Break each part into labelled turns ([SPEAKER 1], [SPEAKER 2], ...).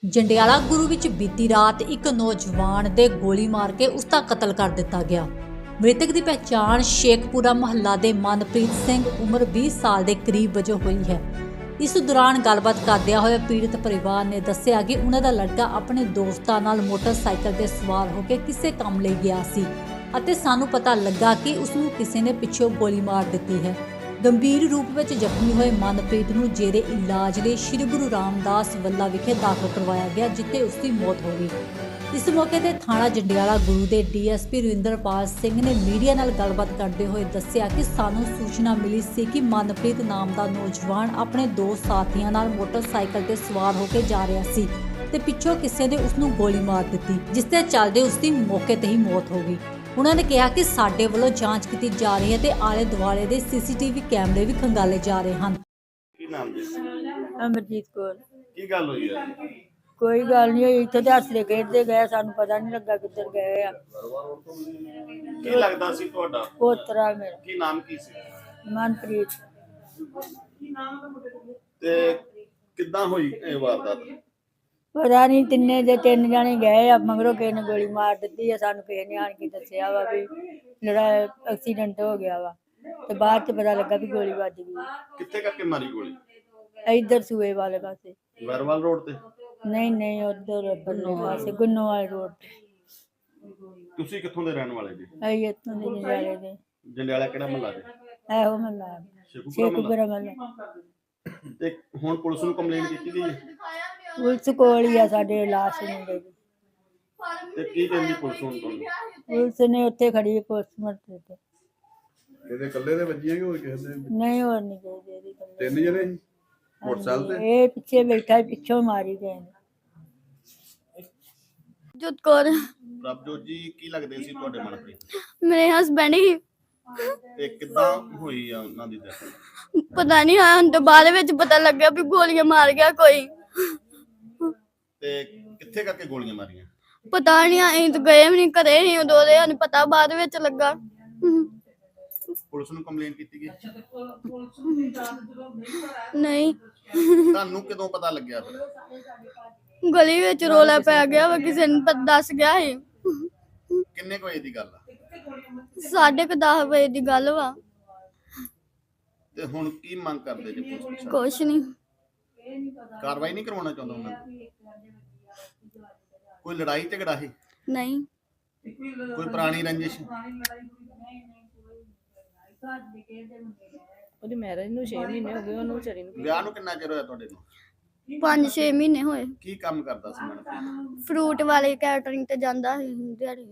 [SPEAKER 1] ਜੰਡਿਆਲਾ ਗੁਰੂ ਵਿੱਚ ਬੀਤੀ ਰਾਤ ਇੱਕ ਨੌਜਵਾਨ ਦੇ ਗੋਲੀ ਮਾਰ ਕੇ ਉਸ ਦਾ ਕਤਲ ਕਰ ਦਿੱਤਾ ਗਿਆ। ਮ੍ਰਿਤਕ ਦੀ ਪਹਿਚਾਣ ਸ਼ੇਖਪੁਰਾ ਮੁਹੱਲਾ ਦੇ ਮਨਪ੍ਰੀਤ ਸਿੰਘ ਉਮਰ 20 ਸਾਲ ਦੇ ਕਰੀਬ ਵਜੋਂ ਹੋਈ ਹੈ। ਇਸ ਦੌਰਾਨ ਗੱਲਬਾਤ ਕਰਦਿਆਂ ਹੋਏ ਪੀੜਤ ਪਰਿਵਾਰ ਨੇ ਦੱਸਿਆ ਕਿ ਉਹਨਾਂ ਦਾ ਲੜਕਾ ਆਪਣੇ ਦੋਸਤਾਂ ਨਾਲ ਮੋਟਰਸਾਈਕਲ ਤੇ ਸਵਾਰ ਹੋ ਕੇ ਕਿਸੇ ਕੰਮ ਲਈ ਗਿਆ ਸੀ ਅਤੇ ਸਾਨੂੰ ਪਤਾ ਲੱਗਾ ਕਿ ਉਸ ਨੂੰ ਕਿਸੇ ਨੇ ਪਿੱਛੋਂ ਗੋਲੀ ਮਾਰ ਦਿੱਤੀ ਹੈ। ਗੰਭੀਰ ਰੂਪ ਵਿੱਚ ਜ਼ਖਮੀ ਹੋਏ ਮਨਪ੍ਰੀਤ ਨੂੰ ਜੇਰੇ ਇਲਾਜ ਲਈ ਸ਼੍ਰੀ ਗੁਰੂ ਰਾਮਦਾਸ ਵੱਲਾ ਵਿਖੇ ਦਾਖਲ ਕਰਵਾਇਆ ਗਿਆ, ਜਿੱਥੇ ਉਸ ਦੀ ਮੌਤ ਹੋ ਗਈ। ਇਸ ਮੌਕੇ ਤੇ ਥਾਣਾ ਜੰਡਿਆਲਾ ਗੁਰੂ ਦੇ ਡੀਐਸਪੀ ਰਵਿੰਦਰਪਾਲ ਸਿੰਘ ਨੇ ਮੀਡੀਆ ਨਾਲ ਗੱਲਬਾਤ ਕਰਦੇ ਹੋਏ ਦੱਸਿਆ ਕਿ ਸਾਨੂੰ ਸੂਚਨਾ ਮਿਲੀ ਸੀ ਕਿ ਮਨਪ੍ਰੀਤ ਨਾਮ ਦਾ ਨੌਜਵਾਨ ਆਪਣੇ ਦੋ ਸਾਥੀਆਂ ਨਾਲ ਮੋਟਰਸਾਈਕਲ ਤੇ ਸਵਾਰ ਹੋ ਕੇ ਜਾ ਰਿਹਾ ਸੀ ਤੇ ਪਿੱਛੋਂ ਕਿਸੇ ਨੇ ਉਸ ਨੂੰ ਗੋਲੀ ਮਾਰ ਦਿੱਤੀ, ਜਿਸ ਦੇ ਚੱਲਦੇ ਉਸ ਦੀ ਮੌਕੇ ਤੇ ਹੀ ਮੌਤ ਹੋ ਗਈ। ਉਹਨਾਂ ਨੇ ਕਿਹਾ ਕਿ ਸਾਡੇ ਵੱਲੋਂ ਜਾਂਚ ਕੀਤੀ ਜਾ ਰਹੀ ਹੈ ਤੇ ਆਲੇ ਦੁਆਲੇ ਦੇ ਸੀਸੀਟੀਵੀ ਕੈਮਰੇ ਵੀ ਖੰਗਾਲੇ ਜਾ ਰਹੇ ਹਨ।
[SPEAKER 2] ਕੀ ਨਾਮ ਜੀ?
[SPEAKER 3] ਅਮਰਜੀਤ ਕੌਰ।
[SPEAKER 2] ਕੀ ਗੱਲ ਹੋਈ ਹੈ?
[SPEAKER 3] ਕੋਈ ਗੱਲ ਨਹੀਂ ਹੋਈ, ਇੱਥੇ ਤਾਂ ਹੱਸਦੇ ਖੇਡਦੇ ਗਏ, ਸਾਨੂੰ ਪਤਾ ਨਹੀਂ ਲੱਗਾ ਕਿੱਧਰ ਗਏ ਆ।
[SPEAKER 2] ਕੀ ਲੱਗਦਾ ਸੀ ਤੁਹਾਡਾ?
[SPEAKER 3] ਪੋਤਰਾ ਮੇਰਾ
[SPEAKER 2] ਕੀ ਨਾਮ ਕੀ ਸੀ?
[SPEAKER 3] ਮਨਪ੍ਰੀਤ।
[SPEAKER 2] ਤੇ ਕਿੱਦਾਂ ਹੋਈ ਇਹ ਵਾਰਦਾਤ?
[SPEAKER 3] ਪਤਾ ਨਹੀਂ ਤਿੰਨ ਜਾਣੇ ਗਏ ਆ, ਮਗਰੋਂ ਕਿਸੇ ਨੇ ਗੋਲੀ ਮਾਰ ਦਿੱਤੀ ਆ। ਸਾਨੂੰ ਕਿਸੇ ਨੇ ਆਣ ਕੇ ਦੱਸਿਆ ਵਾ ਵੀ ਜਿਹੜਾ ਐਕਸੀਡੈਂਟ ਹੋ ਗਿਆ ਵਾ, ਤੇ ਬਾਅਦ ਚ ਪਤਾ ਲੱਗਾ ਵੀ ਗੋਲੀ ਵੱਜ ਗਈ।
[SPEAKER 2] ਕਿੱਥੇ ਕਰਕੇ ਮਾਰੀ ਗੋਲੀ?
[SPEAKER 3] ਇੱਧਰ ਸੂਏ ਵਾਲੇ ਪਾਸੇ।
[SPEAKER 2] ਵਰਵਾਲ ਰੋਡ ਤੇ?
[SPEAKER 3] ਨਹੀਂ ਉਧਰ ਬੰਨੇ ਪਾਸੇ ਗੁੰਨੋਵਾਲ ਰੋਡ ਤੇ।
[SPEAKER 2] ਤੁਸੀਂ ਕਿੱਥੋਂ ਦੇ ਰਹਿਣ ਵਾਲੇ ਜੀ?
[SPEAKER 3] ਅਸੀਂ ਇੱਥੋਂ ਦੇ ਜੰਡਿਆਲੇ ਦੇ।
[SPEAKER 2] ਜੰਡਿਆਲਾ ਕਿਹੜਾ ਮਹੱਲਾ ਜੀ?
[SPEAKER 3] ਇਹੋ ਮੱਲਾ ਸ਼ੇਖੂਪੁਰਾ ਮੱਲਾ।
[SPEAKER 2] ਤੇ ਹੁਣ ਪੁਲਿਸ ਨੂੰ ਕੰਪਲੇਂਟ ਕੀਤੀ ਗਈ ਹੈ?
[SPEAKER 3] ਪੁਲਿਸ ਕੋਲ ਹੀ ਆ ਸਾਡੇ ਲਾਸ਼ ਮੁੰਡੇ ਦੀ।
[SPEAKER 2] ਤੇ ਕੀ ਕਹਿੰਦੀ ਪੁਲਿਸ ਹੁਣ ਤੁਹਾਨੂੰ?
[SPEAKER 3] ਪੁਲਿਸ ਨੇ ਉੱਥੇ ਖੜੀ ਪੋਸਟਮਾਰਟਮ ਤੇ।
[SPEAKER 4] ਇਹਦੇ ਇਕੱਲੇ ਦੇ ਵੱਜੀਆਂ ਕਿ ਹੋਰ ਕਿਸੇ ਦੇ?
[SPEAKER 3] ਨਹੀਂ ਹੋਰ ਨਹੀਂ ਗਏ ਇਹਦੀ ਗੱਲ।
[SPEAKER 4] ਤਿੰਨ ਜਣੇ ਸੀ ਮੋਟਰਸਾਈਕਲ ਤੇ?
[SPEAKER 3] ਇਹ ਪਿੱਛੇ ਬੈਠਾ, ਪਿੱਛੋਂ ਮਾਰੀ ਗਏ ਨੇ।
[SPEAKER 5] ਜੋਤ ਕੌਰ
[SPEAKER 2] ਪ੍ਰਭਜੋਤ ਜੀ, ਕੀ ਲੱਗਦੇ ਸੀ ਤੁਹਾਡੇ ਮਨਪ੍ਰੀਤ?
[SPEAKER 5] ਮੇਰੇ ਹਸਬੈਂਡ ਹੀ।
[SPEAKER 2] ਤੇ ਕਿੱਦਾਂ ਹੋਈ ਆ ਉਹਨਾਂ ਦੀ death?
[SPEAKER 5] ਪਤਾ ਨਹੀਂ ਹਾਂ ਤੋਂ ਬਾਅਦ ਵਿੱਚ ਪਤਾ ਲੱਗਿਆ ਵੀ ਗੋਲੀਆਂ ਮਾਰ ਗਿਆ ਕੋਈ।
[SPEAKER 2] ਤੇ ਕਿੱਥੇ ਕਰਕੇ ਗੋਲੀਆਂ ਮਾਰੀਆਂ?
[SPEAKER 5] ਪਤਾ ਨਹੀਂ, ਅਸੀਂ ਤਾਂ ਗਏ ਵੀ ਨਹੀਂ, ਘਰੇ ਨਹੀਂ ਉਦੋਂ ਦੇ, ਸਾਨੂੰ ਪਤਾ ਬਾਅਦ ਵਿੱਚ ਲੱਗਾ।
[SPEAKER 2] ਪੁਲਿਸ ਨੂੰ ਕੰਪਲੇਂਟ ਕੀਤੀ ਗਈ?
[SPEAKER 5] ਨਹੀਂ,
[SPEAKER 2] ਤੁਹਾਨੂੰ ਕਦੋਂ ਪਤਾ ਲੱਗਿਆ ਫਿਰ?
[SPEAKER 5] ਗਲੀ ਵਿੱਚ ਰੋਲਾ ਪੈ ਗਿਆ ਵਾ, ਕਿਸੇ ਨੇ ਦੱਸ ਗਿਆ ਸੀ।
[SPEAKER 2] ਕਿੰਨੇ ਕੁ ਵਜੇ ਦੀ ਗੱਲ ਆ?
[SPEAKER 5] 10:30 ਵਜੇ ਦੀ ਗੱਲ ਵਾ।
[SPEAKER 2] ਤੇ ਹੁਣ ਕੀ ਮੰਗ ਕਰਦੇ ਜੀ ਪੁਲਿਸ ਪ੍ਰਸ਼ਾਸਨ?
[SPEAKER 5] ਕੁਛ ਨਹੀਂ,
[SPEAKER 2] ਕਾਰਵਾਈ ਨਹੀਂ ਕਰਵਾਉਣਾ ਚਾਹੁੰਦਾ ਉਹਨਾਂ ਨੂੰ? ਕੋਈ ਲੜਾਈ ਝਗੜਾ ਹੈ?
[SPEAKER 5] ਨਹੀਂ,
[SPEAKER 2] ਕੋਈ ਪੁਰਾਣੀ ਰੰਜਿਸ਼?
[SPEAKER 6] ਉਹਦੀ ਮੈਰਿਜ ਨੂੰ 6 ਮਹੀਨੇ ਹੋ ਗਏ, ਉਹਨੂੰ ਵਿਚਾਰੀ ਨੂੰ।
[SPEAKER 2] ਵਿਆਹ ਨੂੰ ਕਿੰਨਾ ਚਿਰ ਹੋਇਆ ਤੁਹਾਡੇ ਨੂੰ?
[SPEAKER 5] 5-6 ਮਹੀਨੇ ਹੋਏ।
[SPEAKER 2] ਕੀ ਕੰਮ ਕਰਦਾ ਸੀ ਮਨਪ੍ਰੀਤ?
[SPEAKER 5] ਫਰੂਟ ਵਾਲੇ ਕੈਟਰਿੰਗ ਤੇ ਜਾਂਦਾ ਸੀ ਦਿਹਾੜੀ।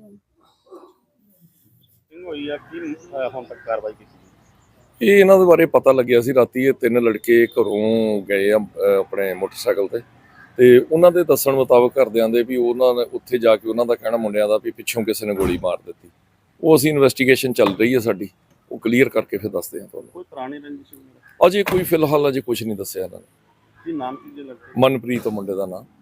[SPEAKER 2] ਹੋਈ ਆ ਕੀ ਹੁਣ ਤੱਕ ਕਾਰਵਾਈ ਕੀਤੀ?
[SPEAKER 7] ਇਹ ਇਹਨਾਂ ਦੇ ਬਾਰੇ ਪਤਾ ਲੱਗਿਆ ਸੀ ਰਾਤੀ। ਇਹ ਤਿੰਨ ਲੜਕੇ ਘਰੋਂ ਗਏ ਆ ਆਪਣੇ ਮੋਟਰਸਾਈਕਲ ਤੇ ਉਹਨਾਂ ਦੇ ਦੱਸਣ ਮੁਤਾਬਕ ਘਰਦਿਆਂ ਦੇ ਵੀ ਉਹਨਾਂ ਨੇ ਉੱਥੇ ਜਾ ਕੇ ਉਹਨਾਂ ਦਾ ਕਹਿਣਾ ਮੁੰਡਿਆਂ ਦਾ ਵੀ ਪਿੱਛੋਂ ਕਿਸੇ ਨੇ ਗੋਲੀ ਮਾਰ ਦਿੱਤੀ। ਉਹ ਅਸੀਂ ਇਨਵੈਸਟੀਗੇਸ਼ਨ ਚੱਲ ਰਹੀ ਹੈ ਸਾਡੀ, ਉਹ ਕਲੀਅਰ ਕਰਕੇ ਫਿਰ ਦੱਸਦੇ ਹਾਂ ਤੁਹਾਨੂੰ।
[SPEAKER 2] ਕੋਈ ਪੁਰਾਣੀ ਰੰਜਿਸ਼?
[SPEAKER 7] ਅਜੇ ਕੋਈ ਫਿਲਹਾਲ ਅਜੇ ਕੁਝ ਨਹੀਂ ਦੱਸਿਆ ਇਹਨਾਂ ਨੇ।
[SPEAKER 2] ਕੀ ਨਾਮ ਕੀ ਜੇ ਲੱਗਦਾ?
[SPEAKER 7] ਮਨਪ੍ਰੀਤ ਮੁੰਡੇ ਦਾ ਨਾਮ।